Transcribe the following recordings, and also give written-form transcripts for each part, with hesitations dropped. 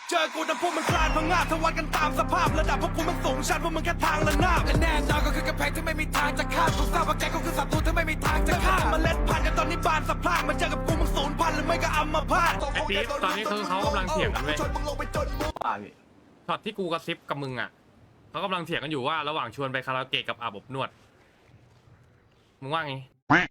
เจอกูแต่พวกมึงคลานพังงาบทวัดกันตามสภาพระดับพวกกูมันสูงชันพวกมึงแค่ทางละนาบและแน่นอนก็คือกระแพงที่ไม่มีทางจะข้ามกูทราบว่าแกก็คือศัตรูที่ไม่มีทางจะฆ่าเมล็ดพันธุ์กันตอนนี้บานสะพรั่งมาเจอกับกูมึงสูญพันธุ์หรือไม่ก็อัมพาตไอ้ปี๊บตอนนี้คือเขากำลังเถียงกันเว้ยป่าพี่ช็อตที่กูกระซิบกับมึงอ่ะเขากำลังเถียงกันอยู่ว่าระหว่างชวนไปคาราโอเกะกับอาบอบนวดมึงว่าไง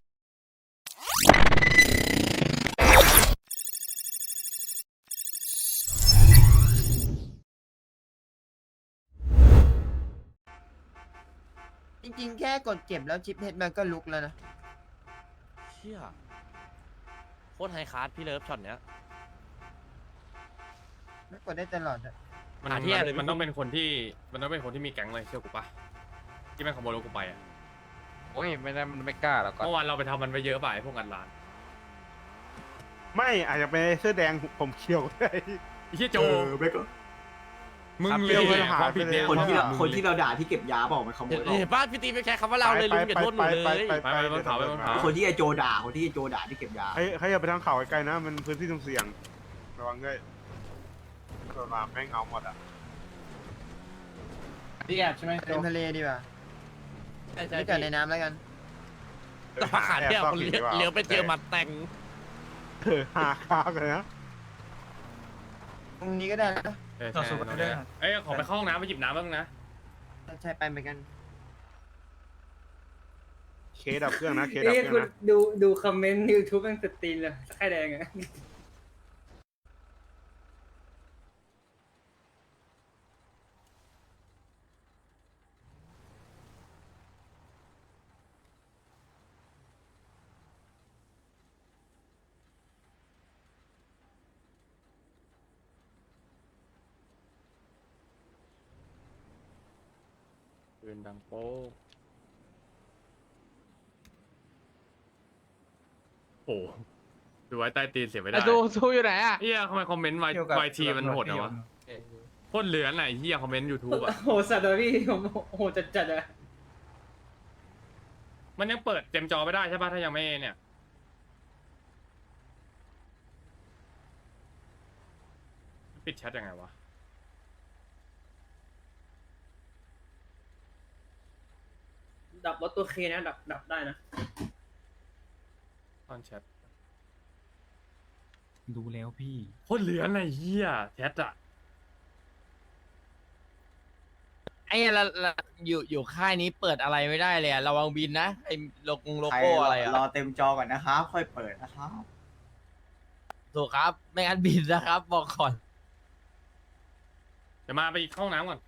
จริงๆแค่กดเก็บแล้วชิปเฮดมันก็ลุกแล้วนะเชี่ยโคตรไฮคลาสพี่เลิฟช็อตเนี้ยไม่กดได้ตลอดอะมันหาที่เลยมันต้องเป็นคนที่มีแก๊งเลยเชื่อกูปะที่แม่งขโมยรถกูไปอ่ะโอ้ยไม่ได้มันไม่กล้าหรอกก็เมื่อวานเราไปทำมันไปเยอะไปพวกงานร้านไม่อาจจะเป็นเสื้อแดงผมเขียวได้ไอ้เหี้ยโจไม่ก็มึงครับเลเดี๋ยวมันยหายความผิดเนี่ยไปคนเลยที่เรามึงคนที่เราด่าที่เก็บยาบอกมันขโมยเห็นป้าพี่ตีไม่ใช้คำว่าเราเลยลุงอย่าโทษหนูเลยไปบนเขาไปบนเขาคนที่ไอโจด่าคนที่ไอโจด่าที่เก็บยาให้อย่าไปทางเขาไกลๆนะ มันพื้นที่เสี่ยงระวังด้วยตัวมาแม่งเอาหมดอ่ะที่แอบใช่ไหมเล่นทะเลดีกว่าใช่ใช่ไม่เกิดในน้ำแล้วกันแต่ว่าขาดเนี่ยคนเลี้ยวไปเจอหมัดแต่งหาข้าวกันนะตรงนี้ก็ได้นะใช่เอ้ยขอไปเข้าห้องน้ำไปหยิบน้ำบ้างนะใช่ไปเหมือนกันเคสดับเครื่องนะเคสดับเครื่องคุณนะดูคอมเมนต์ยูทูบมันสตรีนเลยไข่แดงอะปืนดังโป๊ะโอ้โหดูไว้ใต้ตีนเสียไม่ได้ดูอยู่ไหนอ่ะเฮียทำไมคอมเมนต์วายทีมันโหดเหรอวะโคตรเหลือไหนเฮียคอมเมนต์ยูทูบอ่ะโหสัตว์เลยพี่ผมโหจัดอะมันยังเปิดเต็มจอไม่ได้ใช่ป่ะถ้ายังไม่เนี่ยปิดแชทยังไงวะดับรถตัวเคนะดับได้นะตอนแชทดูแล้วพี่โคตรเหลือไหนเฮียแชทอ่ะไอ้ละอยู่ค่ายนี้เปิดอะไรไม่ได้เลยอะระวังบินนะไอ้โลใครโก้อะไรอะรอเต็มจอก่อนนะครับค่อยเปิดนะครับถูกครับไม่งั้นบินนะครับบอกก่อนเดี๋ยวมาไปเข้าห้องน้ำก่อน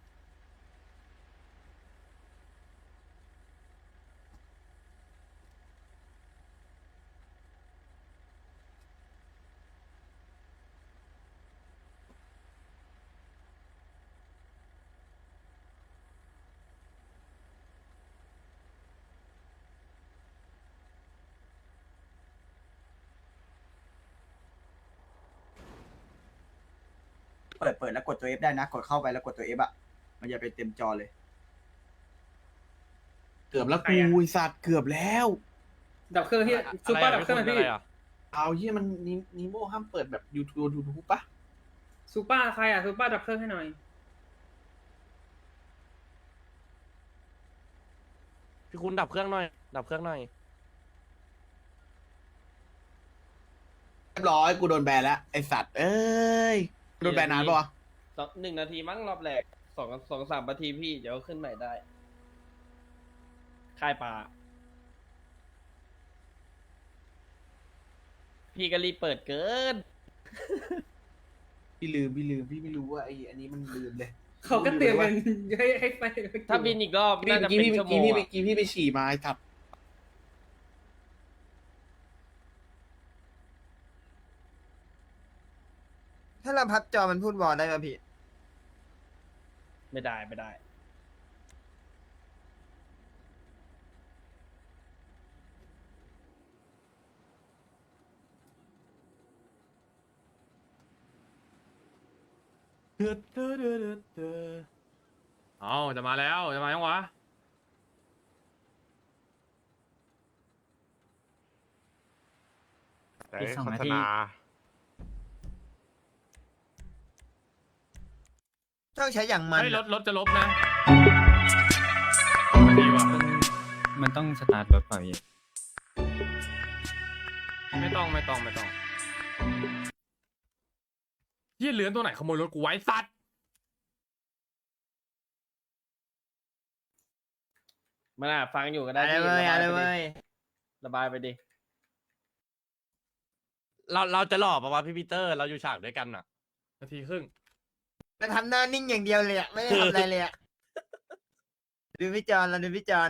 เปิดแล้วกดตัว F ได้นะกดเข้าไปแล้วกดตัว F อ่ะมันจะเป็นเต็มจอเลยเกือบแล้วกูไอ้สัตว์เกือบแล้วดับเครื่องที่ซูเปอร์ดับเครื่องไหมพี่อะไรอะเอาเฮียมันนิโมห้ามเปิดแบบยูทูบปะซูเปอร์ใครอะซูเปอร์ดับเครื่องให้หน่อยพี่คุณดับเครื่องหน่อย ดับเครื่องหน่อยเรียบร้อยกูโดนแบนแล้วไอสัตว์เอ้ยโดนแบนนานปะวะ 1 นาทีมั้งรอบแรก2-3 นาทีพี่เดี๋ยวขึ้นใหม่ได้ค่ายปลาพี่ก็รีบเปิดเกินพี่ลืมพี่ไม่รู้ว่าไออันนี้มันลืมเลยเขาก็เตือนกันให้ไปถ้าบินอีกรอบพี่น่าจะเมื่อเป็นกี้ชั่วโมพี่งเมื่อะอกี้พี่ไปฉี่มาไอ้สัตว์ถ้าเราพับจอมันพูดวอลได้ป่ะพี่ไม่ได้เอาจะมาแล้วจะมายังวะแต่โฆษณาต้องใช้อย่างมันเฮ้ยรอะถจะลบนะดีว่ะมันต้องสตาร์ทรถเปล่าพี่ไม่ต้องเหี้ยเหลือนตัวไหนขโมยรถกูไว้สัตว์มันอ่ะฟังอยู่ก็ได้อะไรพี่เว้ยอะไรระบายไปเว้ดิยระบายไปดิเราจะหล่อปะวะพี่ปีเตอร์เราอยู่ฉากด้วยกันอ่ะนาทีครึ่งเราทำหน้านิ่งอย่างเดียวเลยอะไม่ได้ทำอะไรเลยอะดูพี่จอนเราดูพี่จอน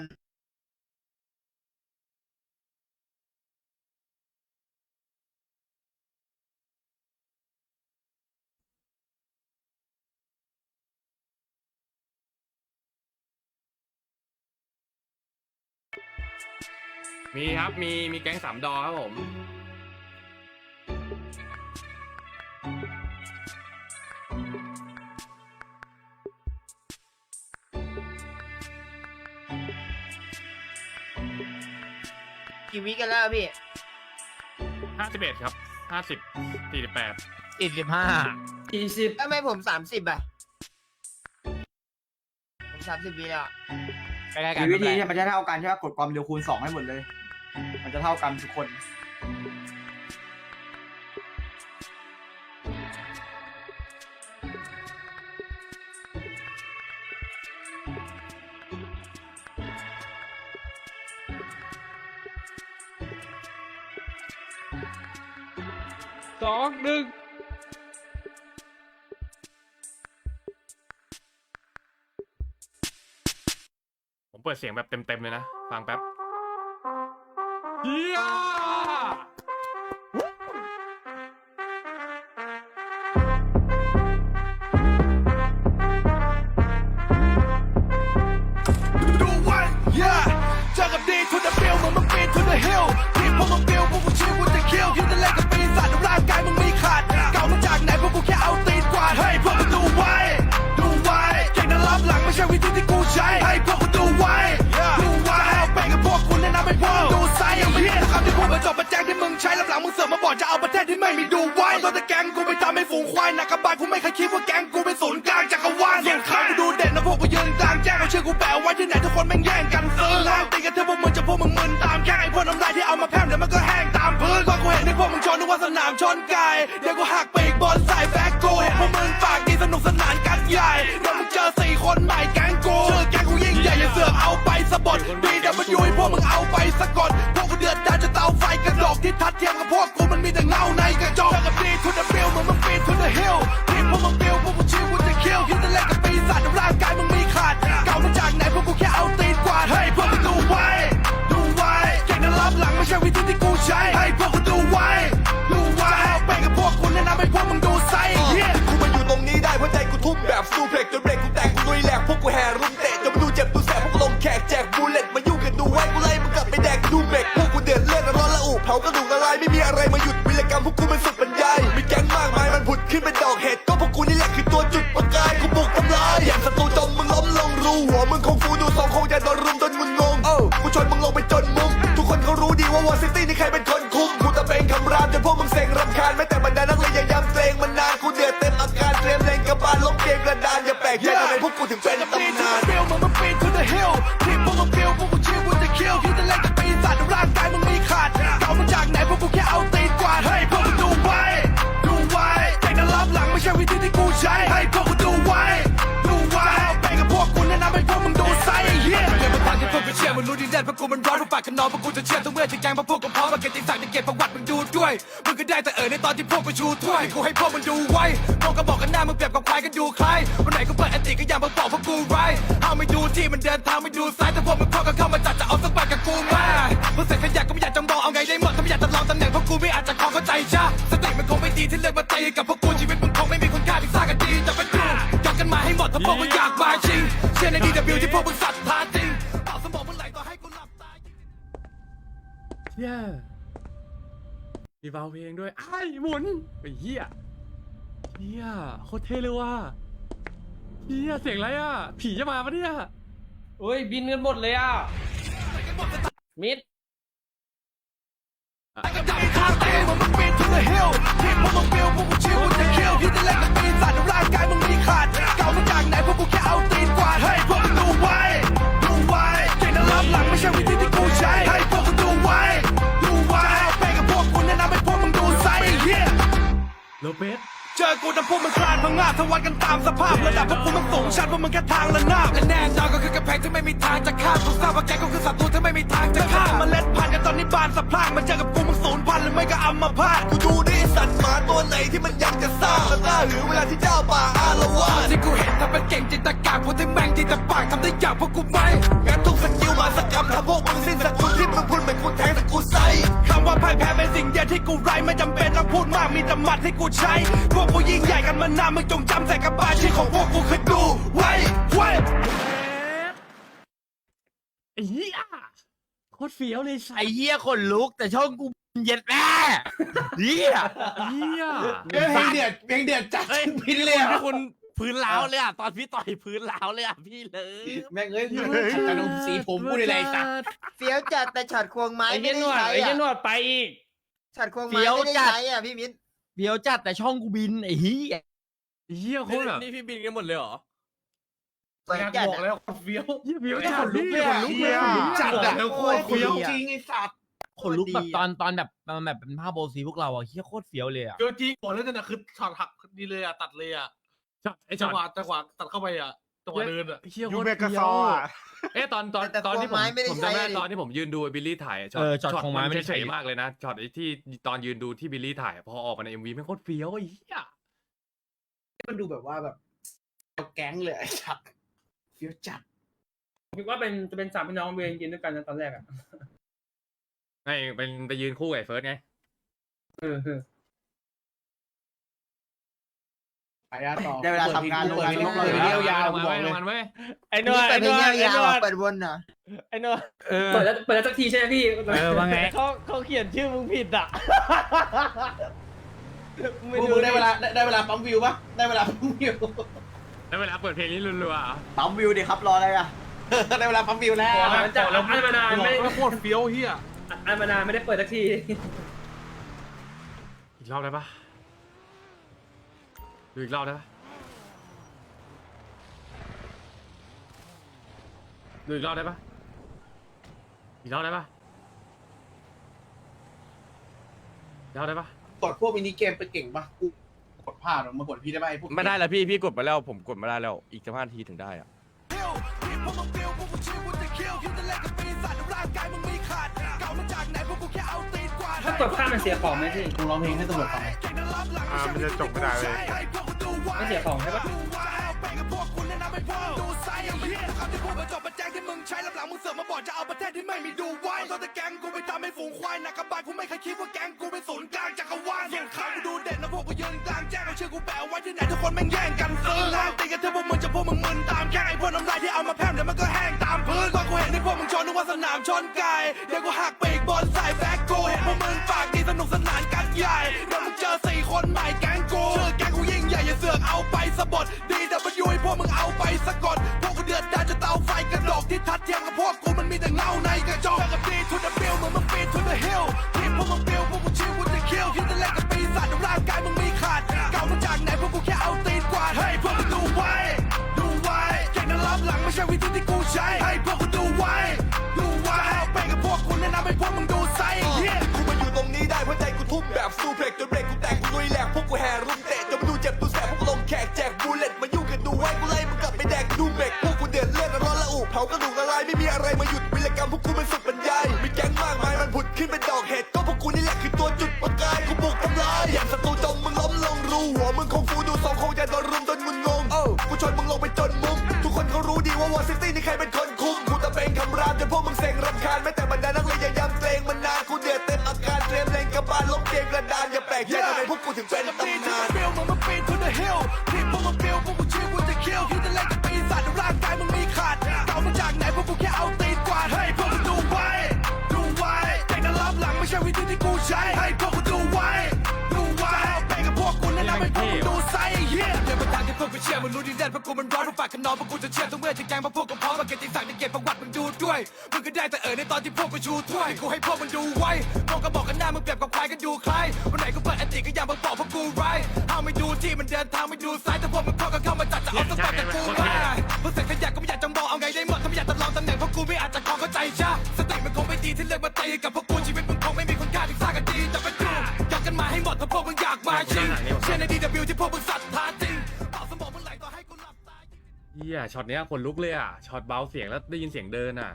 มีครับมีแก๊งสามดอครับผมกี่วิกันแล้วพี่ 51ครับ50 48 45 40 ทำไมผม30อะผม30วิแล้วอะใกล้ๆกันมีวิธีไม่ที่เป็นไรมันจะเท่ากันใช่ไหมกดความเร็วคูณ 2 ให้หมดเลย มันจะเท่ากันทุกคนผมเปิดเสียงแบบเต็มๆเลยนะ ฟังแป๊บเฮียดูไว้ yeah เจอกับดี to the bill มึงมันปีน to the hill ทีมพวกมึงบิลพวกกูชิว with the kill คิดจะเล่นกับปีศาจร่างกายมึงมีขาดเก่ามาจากไหนพวกกูแค่เอาตีนกวาดให้พวกมึงดูไว้เก่งนะรับหลังไม่ใช่วิธีที่กูใช้ให้พวกมึงดูไว้เอาไปกับพวกคุณแนะนำให้พวกมึงดูไซส์อย่างเพี้ยนคำที่พูดมาจบมาแจ้งที่มึงใช้รับหลังมึงเสือกมาบอกจะเอาประเทศที่ไม่มีดูไว้ตัวแต่แก๊งกูไปทำให้ฝูงควายหนักกระบาลกูไม่เคยคิดว่าแก๊งกูเป็นศูนย์กลางจักรวาลส่วนใครกูดูเด่นนะพวกกูยืนกลางแจ้งเอาชื่อกูแปะไว้ที่ไหนทุกคนแม่งแย่งกันซื้อล้างตีกันเถอะพวกมึงจะพวกมึงมึนตามแค่ไอ้พวกน้ำลายที่เอามาแพร่มเดี๋ยวมันก็แห้งตามพื้นพอกูเห็นที่พวกมึงชนนึกว่าสนามชนไก่เดี๋ยวกูหักปีกบอลใส่แบ็คกูเห็นพวกมึงปากดีสนุกสนานกันใหญ่เดี๋ยวมึงเจอ4 คนใหม่แก๊งกูชื่อแก๊งกูยิ่งใหญ่อย่าเสือกเอาไปสะบัดบีเดี๋ยวมันอยู่ให้พวกมึงเอาไปสะกดพวกกูเดือดดาลจะเตาไฟกระดกที่ทัดเทียมกับพวกกูมันมีแต่เงาในกระจกเจอกับดี to the bill มึงปีน to the hill ทีมพวกมึงบิลพวกกูชิว with the kill คิดจะเล่นกับปีศาจร่างกายมึงมีขาดเก่ามาจากไหนพวกกูแค่เอาตีนกวาดให้พวกมึงดูไว้เก่งนะรับหลังไม่ใช่วิธีที่กูใช้ให้พวกกูดูไว้เอาไปกับพวกคุณแนะนำให้พวกมึงดูไซส์กูมาอยู่ตรงนี้ได้เพราะใจกูทุ่มแบบซูเพล็กจนเบรกกูแตกกูลุยแหลกพวกกูแห่รุมเตะจนมาดูเจ็บดูแสบพวกกูลงแขกแจกบูเลตมายุ่งกันดูไว้กูไล่มึงกลับไปแดกดูเมกพวกกูเดือดเลือดร้อนละอุเผากระดูกละลายไม่มีอะไรมาหยุดวิรกรรมพวกกูมันสุดบรรยายมีแก๊งมากมายมันผุดขึ้นเป็นดอกเห็ดก็พวกกูนี่แหละคือตัวจุดประกายกูบุกทำลายอย่างศัตรูจมมึงล้มลงรูหัวมึงคงฟูดูทรงคงจะโดนรุมจนมึงงงกูชนมึงลงไปจนมุมทุกคนเขารู้ดีว่าวอร์ซิตี้นี่ใครเป็นคนคุมกูตะเบงคำรามจนพวกมึงเซ็งรำคาญแม้แต่บรรดานักเลงยังย้ำเกรงมันนานกูเดือดเต็มอาการเตรียมเล็งกระบาลล้มเกมกระดานอย่าแปลกใจทำไมพวกกูถึงเป็นตำนานบิลมึงมันปีน to the hill ทีมพวกมึงบิลพวกกูชิว with the kill คิดจะเล่นกับปีศาจร่างกายมึงมีขาดเก่ามาจากไหนพวกกูแค่เอาตีนกวาดให้พวกมึงดูไว้เก่งนะรับหลังไม่ใช่วิธีที่กูใช้ให้พวกกูดูไว้เอาไปกับพวกกูแนะนำให้พวกมึงดูไซส์เดี๋ยวมันฟังที่พวกกูเชื่อมึงรู้ดีแน่เพราะกูมันร้อนพวกปากกันนอนพวกกูจะเชื่อทุกเมื่อที่แกงเพราะพวกกูพร้อมมาเก็บติดสั่งจะเก็บประวัติมึงดูด้วยมึงก็ได้แต่ในตอนที่พวกกูชูถ้วยกูให้พวกมึงดูไว้พวกก็บอกกันหน้ามึงเปรียบกับควายกันดูใครวันไหนกูเปิดแอนติก็อย่ามาบอกพวกกูไรเอาไม่ดูที่มันเดินทางไม่ดูซ้ายแต่พวกมึงพอกันเข้ามาจัดจะเอาสักบาทกับกูมาพวกเสร็จขยะก็ไม่อยากจะมองเอาไงได้หมดถ้าไม่อยากจะลองตำแหน่งพวกกูไม่อาจจะขอเข้าใจช้าสติมันคงไม่ดีที่เลือกมาตีกับพวกกูชีวิตมึงคงไม่มีคุณค่าที่สร้างกันดีจะไปดูยกกันมาให้หมดถ้าพวกมึงอยากมาจริงเชื่อใน DW ที่พวกมึงศรัทธาจริงต่อสมองมึงไหลต่อให้กูหลับตาเฮียมีเบาเพลงด้วยไอ้หมุนไอ้เฮียโคตรเท่เลยว่ะเฮียเสียงอะไรอ่ะผีจะมาปะเนี่ยเฮ้ย บินกันหมดเลยอ่ะ มิดก็ดับข้างเตียงมึงปีน to the hill ทีมพวกมึงบิลพวกกูชิว with the kill คิดจะเล่นกับปีศาจร่างกายมึงมีขาดเก่ามาจากเบสเจอกูแต่พวกมึงคลานพังงาบทวัดกันตามสภาพระดับพวกกูมันสูงชันพวกมึงแค่ทางละนาบและแน่นอนก็คือกระแพงที่ไม่มีทางจะข้ามกูทราบว่าแกก็คือศัตรูที่ไม่มีทางจะฆ่าเมล็ดพันธุ์กันตอนนี้บานสะพรั่งมาเจอกับกูมึงสูญพันธุ์หรือไม่ก็อัมพาตกูดูดิสัตว์หมาตัวไหนที่มันยังจะซ่าและน่าหือเวลาที่เจ้าป่าอาละวาดที่กูเห็นทำเป็นเก่งจินตกาพวกที่แม่งจินตปากทำได้อย่างพวกกูไม่งั้นทุกสกิลมาสักคำทำพวกมึงสิ้นสกุลที่มึงพูดเหมือนกูแทงแต่กูใส่คำว่าพ่ายแพ้เป็นสิ่งเดียวที่กูไร้ไม่จำเป็นต้องพูดมากมีแต่หมัดที่กูใช้พวกกูยิ่งใหญ่กันมานานมึงจงจำใส่กระบาลที่ของพวกกูคือดูไว้ไอ้เหี้ยโคตรเฟี้ยวเลยสัไอ้สเหี้ยคนลุกแต่ช่องกูเย็ดแม่เหี้ยเหี้ยเพลงเดือดจัดเฮ้ยพินเลยอะพี่คุณพื้นล้าวเลยอ่ะตอนพี่ต่อยพื้นล้าวเลยอ่ะพี่เลยแม่งเอ้ยกระดุมสีผมกูได้ไรสัตว์เฟี้ยวจัดแต่ช็อตควงไม้ไอ้ไม่เหี้ยได้หนวดใช้ไอ้เหี้ยหนอะวดไปอีกช็อตควงเฟี้ไม้ยวไม่จัได้ดใช้อ่ะพี่มิ้นเดี๋ยวจัดแต่ช่องกูบินไอ้เหี้ยเหี้ยโคตรแบบนี่พี่บินกันหมดเลยเหรอสวยจัดอะเหี้ยเฟี้ยวจัดขนลุกเลยอะขนลุกเลยอะจัดอะโคตรเฟี้ยวจริงไอ้สัตว์คนลุกแบบตอนแบบมันแบบเป็นภาพโบซีพวกเราอะเหี้ยโคตรเฟี้ยวเลยอะเดี๋ยวจริงบอกแล้วเนี่ยนะคือช็อตหักดีเลยอ่ะตัดเลยอ่ะไอ้จัจังงหวะตัดเข้าไปอ่ะจังหวะเดินอ่ะเหี้ยยูโคตรเมกาเฟี้ซยอวอ่ะเอ๊ะตอนที่ผมจำได้ตอนที่ผมยืนดูบิลลี่ถ่ายช็อตของไม้ไม่ได้เฉยมากเลยนะช็อตไอ้ที่ตอนยืนดูที่บิลลี่ถ่ายพอออกมาใน MV ไม่งโคตรเฟี้ยวไอ้เหี้ยมันดูแบบว่าแบบเอาแก๊งเลยไอ้สัตว์เฟี้ยวจัดคิดว่าจะเป็นสามพี่น้องเวรกินด้วยกันนะตอนแรกอ่ะไงเป็นไปยืนคู่กับไอ้เฟิร์สไงเออไปอะต่อได้เวลาทำงานลงงานลงเลยเที่ยวยาวมาบอกเว้ยเลยมันเว้ยไอ้หนวดเปิไอ้ดหเพนลงวดไอ้ยาหนววๆดเปิดวนเหรอไอ้หนวดเปิดแล้วสักทีใช่ไหมพี่ว่าไงเขาเขียนชื่อมึงผิดอ่ะพวกมึงได้เวลาปั๊มวิวปะได้เวลาปั๊มวิวแล้วเวลาเปิดเพลงนี้รัวๆอ่ะปั๊มวิวดิครับรออะไรอ่ะได้เวลาปั๊มวิวแล้วมันจะอันมานานบอกไม่ว่าโคตรเฟี้ยวเฮียอันมานานไม่ได้เปิดสักทีอีกรอบได้ปะดูอีกรอบได้ปะดูอีกรอบได้ปะอีกรอบได้ปะอีกรอบได้ปะกดพวกมินิเกมไปเก่งปะกูกดพลาดมากดพี่ได้ปะไอ้พวกไม่ได้แล้วพี่กดไปแล้วผมกดไม่ได้แล้วอีก15 นาทีถึงได้อ่ะถ้ากดข้ามมันเสียของไหมพี่มึงร้องเพลงให้ตำรวจฟังมันจะจบไม่ได้เลยไม่เสียของใช่ปะจบมาแจ้งที่มึงใช้ลำหลังมึงเสือกมาบอกจะเอาประเทศที่ไม่มีดูไว้ตอนแต่แก๊งกูไปทำให้ฝูงควายหนักกระบาลกูไม่เคยคิดว่าแก๊งกูเป็นศูนย์กลางจักรวาลส่งข้างกูดูเด่นแล้วพวกกูยืนกลางแจ้งเอาชื่อกูแปะไว้ที่ไหนทุกคนแม่งแย่งกันซื้อแล้วตีกันเถอะพวกมึงจะพวกมึงมึนตามแค่ไอ้พวกน้ำลายที่เอามาแพร่มเดี๋ยวมันก็แห้งตามพื้นตอนกูเห็นที่พวกมึงชนนึกว่าสนามชนไก่เดี๋ยวกูหักปีกบอลใส่แบ็คกูเห็นพวกมึงปากดีสนุกสนานกันใหญ่เดี๋ยวมึงเจอ4 คนใหม่แก๊งกูชื่อแก๊งกูยิ่งใหญ่อย่าเสือกเอาไปสะบดDW ให้พวกมึงเอาไปสะกดพวกกูเดือดดาลจะเตาไฟกระดกที่ทัดเทียมกับพวกกูมันมีแต่เงาในกระจกเจอกับD to the bill เหมือนมึงปีน to the hill ที่พวกมึงบิลพวกกูชิว with the kill คิดจะเล่นกับปีศาจแต่ร่างกายมึงมีขาดเก่ามาจากไหนพวกกูแค่เอาตีนกวาดให้พวกมึงดูไว้เก่งนะรับหลังไม่ใช่วิธีที่กูใช้ให้พวกกูดูไว้ไปกับพวกกูแนะนำให้พวกมึงดูไซส์กูมาอยู่ตรงนี้ได้เพราะใจกูทุ่มแบบซูเพล็กจนเบรกกูแตกกูลุยแหลกพวกกูแห่รุมเตะจนมึงดูเจ็บดูแสบพวกกูลงแขกแจกบูเลตมายุ่งกันดูไว้กูไล่มึงกลับไปแดกดูเบรกพวกกูเดือดเลือดร้อนละอุเผากระดูกละลายไม่มีอะไรมาหยุดวิรกรรมพวกกูมันสุดบรรยายมีแก๊งมากมายมันผุดขึ้นเป็นดอกเห็ดก็พวกกูนี่แหละคือตัวจุดประกายกูบุกทำลายอย่างศัตรูจมมึงล้มลงรูหัวมึงคงฟูดู2 คงจะโดนรุมจนมึงงงกูชนมึงลงไปจนมุมทุกคนเขารู้ดีว่าวอร์ซิตี้นี่ใครเป็นคนคุมกูตะเบงคำรามจนพวกมึงเซ็งรำคาญแม้แต่บรรดานักเรียนยังย้ำเกรงมันนานกูเดือดเต็มอาการเตรียมเล่นกระบาลล้มเกมกระดานอย่าแปลกใจทำไมพวกกูถึงเป็นตำนานบิลมึงมาปีน to the hill ที่พวกมึงบิลพวกกูชิว with the kill คิดจะเล่นกับปีศาจแต่ร่างกายมึงมีขาดเก่ามาจากไหนพวกกูแค่เอาตีนกวาดให้พวกมึงดูไว้แต่งนั้นรับหลังไม่ใช่วิธีที่กูใช้ให้พวกกูดูไว้ไปกับพวกกูแนะนำให้พวกมึงดูไซส์เดี๋ยวมาทางที่พวกกูเชื่อมึงรู้ดีแน่เพราะกูมันร้อนเพราะฝากกันนอนเพราะกูจะเชื่อทุกเมื่อที่แกงเพราะพวกกูพร้อมมาเก็บที่สั่งในเก็บประวัติมึงดูด้วยมึงก็ได้แต่ในตอนที่พวกกูชูถ้วยกูให้พวกมึงดูไว้พวกก็บอกกันหน้ามึงเปรียบกับควายกันดูใครวันไหนกูเปิดอันติก็ยังมาบอกพวกกูไรเอาไม่ดูที่มันเดินทางไม่ดูซ้ายแต่พวกมึงเข้ากันเข้ามาจัดจะเอาสปอร์ตกับกูมาพวกเสร็จขยะก็ไม่อยากจะมองเอาไงได้หมดถ้าไม่อยากจะลองตำแหน่งพวกกูไม่อาจจะคล้องเข้าใจจ้าสติมันคงไม่ดีที่เลือกมาตีกับพวกกูชีวิตมึงคงไม่มีคุณค่าถึงสร้างกันดีแต่เป็นกูอยากกันมาให้หมดถ้าพวกมึงอยากมาจริงเชื่อในดีเฮียช็อตเนี้ยขนลุกเลยอ่ะช็อตเบาเสียงแล้วได้ยินเสียงเดินอ่ะ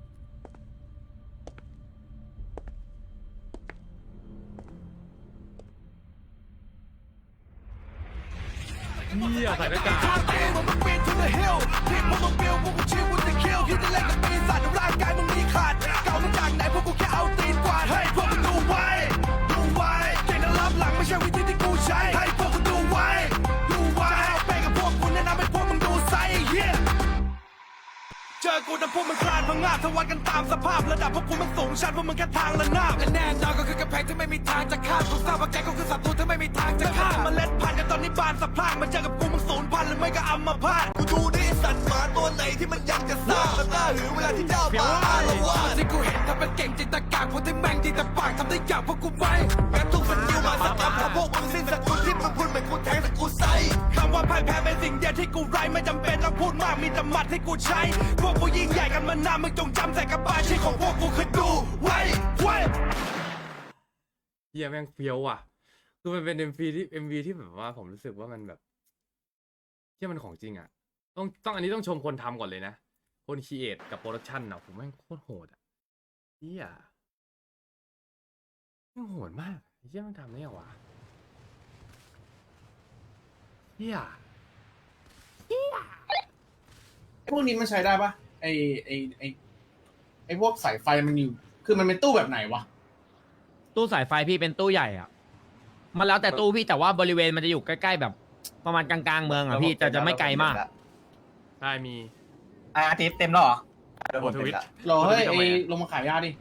เฮียใส่หน้ากากมึงปีน to the hill ทีมพวกมึงบิวพวกกูชิว with the kill คิดจะเล่นกับปีศาจร่างกายมึงมีขาดเก่ามาจากไหนพวกกูแค่เอาตีนกวาดให้พวกมึงดูไว้เก่งนะรับหลังไม่ใช่วิธีที่กูใช้ให้พวกมึงดูไว้จะเอาไปกับพวกกูแนะนำให้พวกมึงดูไซส์เฮียเจอกูนะพวกมึงคลานพังงาบทวัดกันตามสภาพระดับพวกกูมันสูงชันพวกมึงแค่ทางระนาบและแน่นอนก็คือกำแพงที่ไม่มีทางจะข้ามกูทราบว่าแกก็คือศัตรูที่ไม่มีทางจะข้ามเมล็ดพันธุ์กันตอนนี้บานสะพรั่งมาเจอกับกูมึงสูญพันธุ์หรือไม่ก็อัมพาตกูดูดิสัตว์หมาตัวไหนที่มันยังจะซ่ามันน่าหือเวลาที่เจ้าป่าอารวาสที่กูเห็นทำเป็นเก่งจิตตะกากพวกที่แม่งดีแต่ปากทำได้อย่างพวกกูไม่แม้ทุกสกิลมาสตับถ้าพวกมึงสิ้นสกุลที่มึงพูดเหมือนกูแทงแต่กูใส่คำว่าพ่ายแพ้เป็นสิ่งเดียวที่กูไร้ไม่จำเป็นต้องพูดมากมีแต่หมัดที่กูใช้พวกกูยิ่งใหญ่กันมานานมึงจงจำใส่กระบาลชีของพวกกูคือดูไว้เฮียแม่งเฟี้ยวอ่ะคือมันเป็นMV ที่แบบว่าผมรู้สึกว่ามันแบบเฮียมันของจริงอ่ะต้องอันนี้ต้องชมคนทำก่อนเลยนะคนครีเอทกับโปรดักชันอ่ะผมแม่งโคตรโหดอ่ะเฮียแม่งโหดมากเฮียมันทำได้ไงวะเฮียพวกนี้มันใช้ได้ปะไอพวกสายไฟมันอยู่คือมันเป็นตู้แบบไหนวะตู้สายไฟพี่เป็นตู้ใหญ่อ่ะ มันแล้วแต่ตู้พี่แต่ว่าบริเวณมันจะอยู่ใกล้ๆแบบ ประมาณกลางๆเมืองอ่ะพี่จะไม่ไกลมากใช่มีอาทิตย์เต็มแล้วเหรอโอทวิตรอเฮ้ยไอลงมาขายยาดิ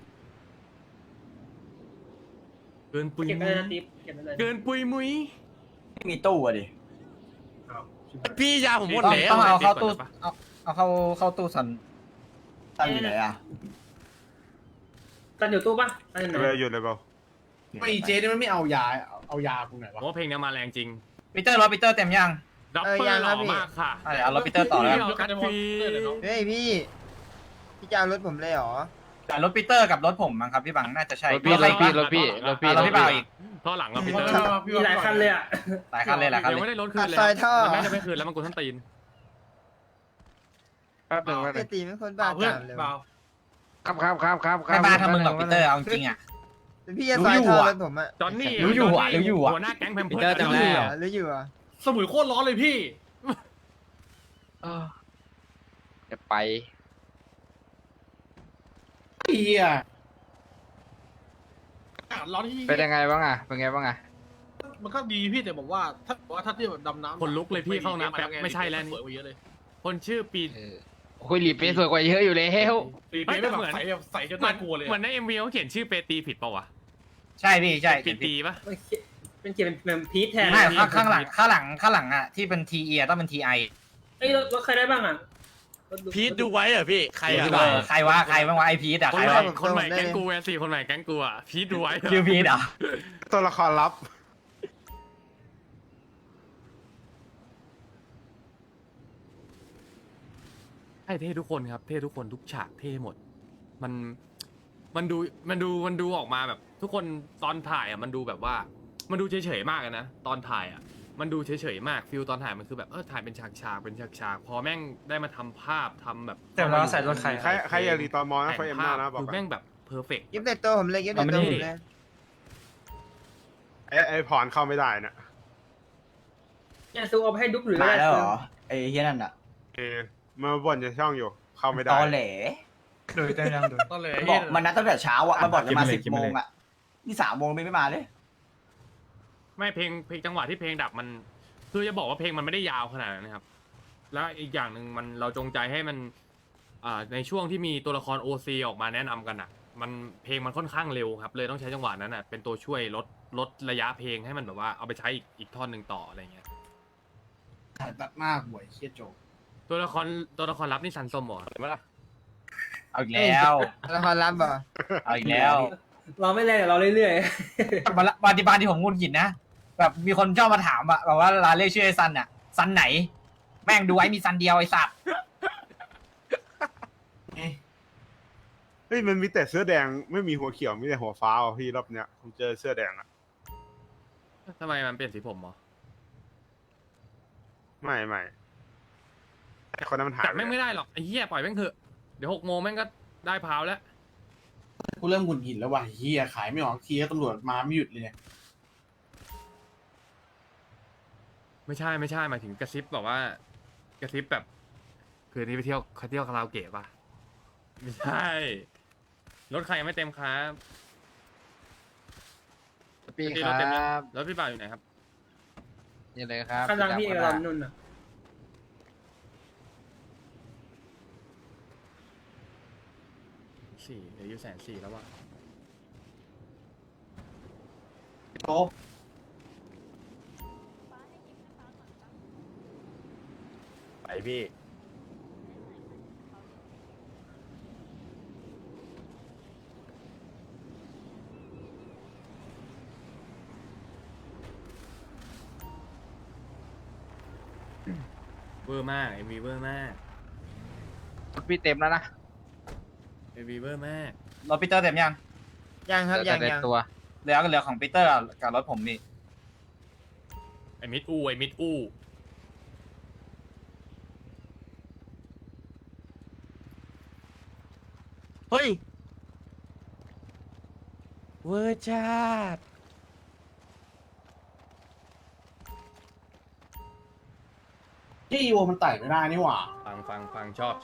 เกินปุยเก็บไปมุเลยยนะติ๊บเก็บไปเลยเกินปุยมุยไม่มีตู้อะดิพี่ยาผมหมดแล้วต้องเอาเข้าตู้เอาเข้าตู้สันตั้งอยู่ไหนอ่ะตันอยู่ตู้ปะตันอยู่ไหนเลยหยุดเลยเปล่าไม่เจนี่มันไม่เอายากูไหนผวะมว่าเพลงเนี้ยมาแรงจริงปีเตอร์รถปีเตอร์เต็มยังดับเบิลหล่อมากค่ะเอารถปีเตอร์ต่อแล้วเดี๋ยวกัดฟรีเฮ้ยพี่จะเอารถผมเลยเหรอแต่รถปีเตอร์กับรถผมมั้งครับพี่บังน่าจะใช่รถพี่บังอีกท่อหลังเราปีเตอร์มีหลายคันเลยอ่ะหลายคันเลยหลายคันยังเลยไม่ได้รถคืนเลยซอยท่อมันน่าจะไม่คืนแล้วมันกูท่านตีนแป๊บหนึ่งปกติเป็นคนบ้าเพื่อนตามเลยเปล่าครับไม่บ้าทำมึงหรอกปีเตอร์เอาจริงอ่ะแต่พี่จะซอยท่อรถผมอะจอนนี่รู้อยู่อะรู้อยู่อะหัวหน้าแก๊งแพมปีเพิร์เตอร์จำได้เหรอหรืออยู่อ่ะสมุยโคตรร้อนเลยพี่จะไปเฮียร้อนที่เป็นยังไงบ้างอ่ะ เป็นไงบ้างอ่ะมันก็ดีพี่แต่ผมว่าถ้าเทียบแบบดำน้ำคนลุกเลยพี่เข้าน้ำแป๊บไม่ใช่แล้วสนี่วยกว่าเยอะเลยคนชื่อปีคุยหลีเป๊ะสวยกว่าเยอะอยู่เลยเฮ้ยปีเป๊ะไม่แบบใส่จนน่ากลัวเลยเหมือนในMVเขาเขียนชื่อเปตีผิดเปล่าวะใช่พี่ใช่ผิดตีปะเป็นเขียนเป็นพีทแทนไม่ข้างหลังอ่ะที่เป็น TE ต้องเป็น TI เอ้ยรถใครได้บ้างอ่ะพีทดูไว้เหรอพี่ใครอ่ะใครวะใครบ้างวะไอพีทอ่ะคใคน รใหวะม่คนใหม่แก๊งกู4คนใหม่แก๊งกูอ่ะพีทดูไว้ชื่อพีทอ่ะตัวละครลับใช่เท่ทุกคนครับเท่ทุกคนทุกฉากเท่หมด มันดูออกมาแบบ ทุกคนตอนถ่ายอ่ะมันดูแบบว่า มันดูเฉยๆมากนะตอนถ่ายอ่ะมันดูเฉยๆมากฟิลตอนถ่ายมันคือแบบถ่ายเป็นฉากๆเป็นฉากๆพอแม่งได้มาทำภาพทำแบบแต่เราใส่รถใครใครอยากรีตอนมอนะแต่ไฟงเอ็มภาหน้าพนะบอกคือก่อนแม่งแบบเพอร์เฟกต์ยิบในตัวผมเลยยิบในตัวผมเลยไอ้พรเข้าไม่ได้นะเนี่ยซูเอาไปให้ดุ๊กหรือมาอะไรแล้วเหรอไอ้เฮียนั่นอ่ะมาบ่นจะช่องอยู่ เข้าไม่ได้ตอแหลโดยเต็มยังโดยตอนเลยบอกมันนัดตั้งแต่เช้าอ่ะมันบอกจะมาคิดมาเลย 10 โมงอ่ะนี่3 โมงไม่มาเลยไม่เพลงจังหวะที่เพลงดับมันคือจะบอกว่าเพลงมันไม่ได้ยาวขนาดนั้นนะครับ แล้วอีกอย่างหนึ่งมันเราจงใจให้มันในช่วงที่มีตัวละคร OC ออกมาแนะนำกันอ่ะ มันเพลงมันค่อนข้างเร็วครับ เลยต้องใช้จังหวะนั้นอ่ะเป็นตัวช่วยลดระยะเพลงให้มันแบบว่าเอาไปใช้อีกท่อนหนึ่งต่ออะไรเงี้ยตัดหน้าหวยเฮียโจตัวละครลับนี่ซันส้มเหรอเอาอีกแล้วละครรับเหรอเอาอีกแล้วเราไม่แรงเราเรื่อยบางที่ผมงุนหงิดนะแบบมีคนชอบมาถามอะแบบว่าร้านเรียกชื่อไอ้ซันอะซันไหน แม่งดูไว้มีซันเดียวไอ้สัตว์เฮ้ยมันมีแต่เสื้อแดงไม่มีหัวเขียวมีแต่หัวฟ้าอ่ะพี่รอบเนี้ยผมเจอเสื้อแดงอ่ะทำไมมันเปลี่ยนสีผมเหรอไม่ไอ้คนนั้นมันหายแต่ไปแม่งไม่ได้หรอกไอ้เหี้ยปล่อยแม่งเถอะเดี๋ยว6 โมงแม่งก็ได้พาวแล้วกูเริ่มหงุดหงิดแล้วว่ะเฮียขายไม่ออกทีก็ตำรวจมาไม่หยุดเลยเนี่ยไม่ใช่หมายถึงกระซิบแบบว่ากระซิบแบบคืนนี้ไปเที่ยวคาราโอเกะป่ะไม่ใช่รถใครยังไม่เต็มครับพี่พี่ครรัถเต็มยังบรถพี่บ่าวอยู่ไหนครับนี่เลยครับกำลังพี่จับกำลังมานุ่นอ่ะ 4เหลืออยู่140,000แล้วว่ะโต๊ะไปพี่เวอร์มากเอ็มวีเวอร์มากพี่เต็มแล้วนะเอ็มวีเวอร์มากรถปีเตอร์เต็มยังยังครับเหลืยัอง แต่ยังตัวเหลือของปีเตอร์กับรถผมนี่ไอ้มิดอู้เฮ้ยเวอร์จัดที่อีโวมันไต่ไม่ได้นี่หว่าฟังชอบ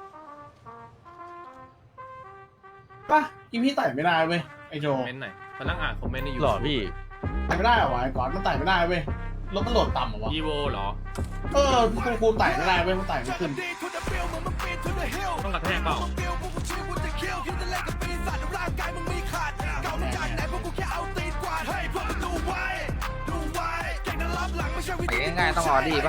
ป่ะอีพี่ไต่ไม่ได้เว้ยไอโจคอมเมนต์หน่อยมานั่งอ่านคอมเมนต์ในยูหล่อพี่ไต่ไม่ได้เหรอวะไอ้ก่อนมันไต่ไม่ได้เว้ยรถมันโหลดต่ำเหรอวะอีโวเหรอกูไต่ไม่ได้เว้ยมันไต่ไม่ขึ้นต้องกระแทกเปล่าง่ายๆต้องออดี้ปะ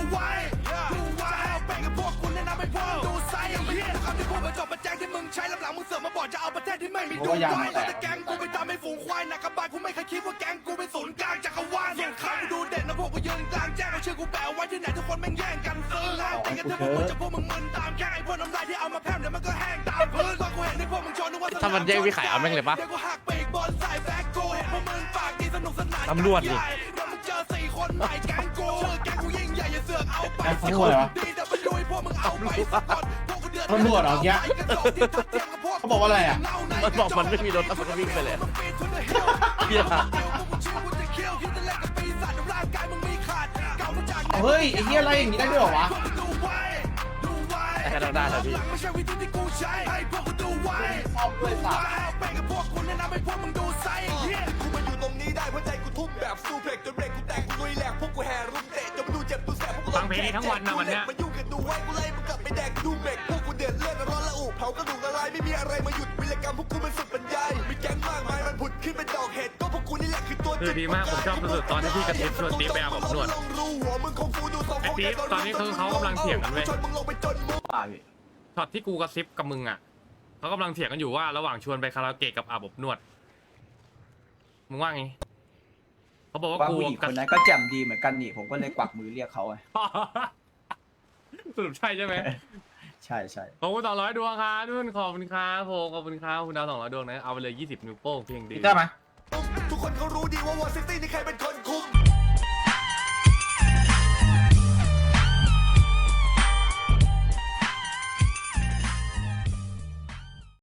เพราะว่ายางมันแตกแก๊งกูไปตามให้ฝูงควายหนักกระบาลกูไม่เคยคิดว่าแก๊งกูเป็นศูนย์กลางจักรวาลส่งข้างกูดูเด่นนะพวกกูยืนกลางแจ้งเอาชื่อกูแปะไว้ที่ไหนทุกคนแม่งแย่งกันซื้อแล้วตีกันเถอะพวกมึงจะพวกมึงมึนตามแค่ไอ้พวกน้ำลายที่เอามาแพร่มเดี๋ยวมันก็แห้งตามพื้นตอนกูเห็นที่พวกมึงชนนึกว่าถ้ามันแย่งพี่ขายเอาแม่งเลยปะเดี๋ยวกูหักปีกบอลใส่แบ็คกูเห็นพวกมึงปากดีสนุกสนานตำรวจดิเดี๋ยวมึงเจอ4 คนใหม่แก๊งกูชื่อแก๊งกูยิ่งใหญ่อย่าเสือกเอาไปตำรวจเหรอดีแต่มันดูให้พวกมึงเอาไปสะกดพวกกูเดือดตำรวจเหรอเมื่อกี้เขาบอกว่าอะไรอ่ะมันบอกมันไม่มีรถแล้วมันก็วิ่งไปเลยเหี้ยเฮ้ยไอ้เหี้ยอะไรอย่างนี้ได้ด้วยเหรอวะแค่ต้องได้แต่พี่ชอบด้วยสัตว์กูมาอยู่ตรงนี้ได้เพราะใจกูทุ่มแบบซูเพล็กจนเบรกกูแตกกูลุยแหลกพวกกูแห่รุมเตะจนดูเจ็บดูแสบพวกกูฟังเพลงนี้ทั้งวันนะวันเนี้ยมายุ่งกันดูไว้กูไล่มึงกลับไปแดกดูเบรกพวกกูเดือดเลือดร้อนละอุเผากระดูกละลายไม่มีอะไรมาหยุดวิรกรรมพวกกูมันสุดบรรยายมีแก๊งมากมายมันผุดขึ้นเป็นดอกเห็ดก็พวกกูนี่แหละคือตัวคือดีมากผมชอบสุดๆตอนที่พี่กระซิบชวนติ๊บไปอาบอบนวด ไอ้ติ๊บตอนนี้คือเขากำลังเถียงกันเว้ย ช็อตที่กูกระซิบกับมึงอ่ะเขากำลังเถียงกันอยู่ว่าระหว่างชวนไปคาราโอเกะกับอาบอบนวดมึงว่าไงเขาบอกว่ากูคนนั้นก็แจ่มดีเหมือนกันนี่ผมก็เลยกวักมือเรียกเขา สรุปใช่ใช่ไหมใช่ใช่ขอบคุณ200 ดวงครับทุกคนขอบคุณครับโฟขอบคุณครับคุณดาว200 ดวงนะเอาไปเลย20 นิ้วโป้งเพียงดีปีเตอร์มาทุกคนเขารู้ดีว่าวอร์ซิตี้นี่ใครเป็นคน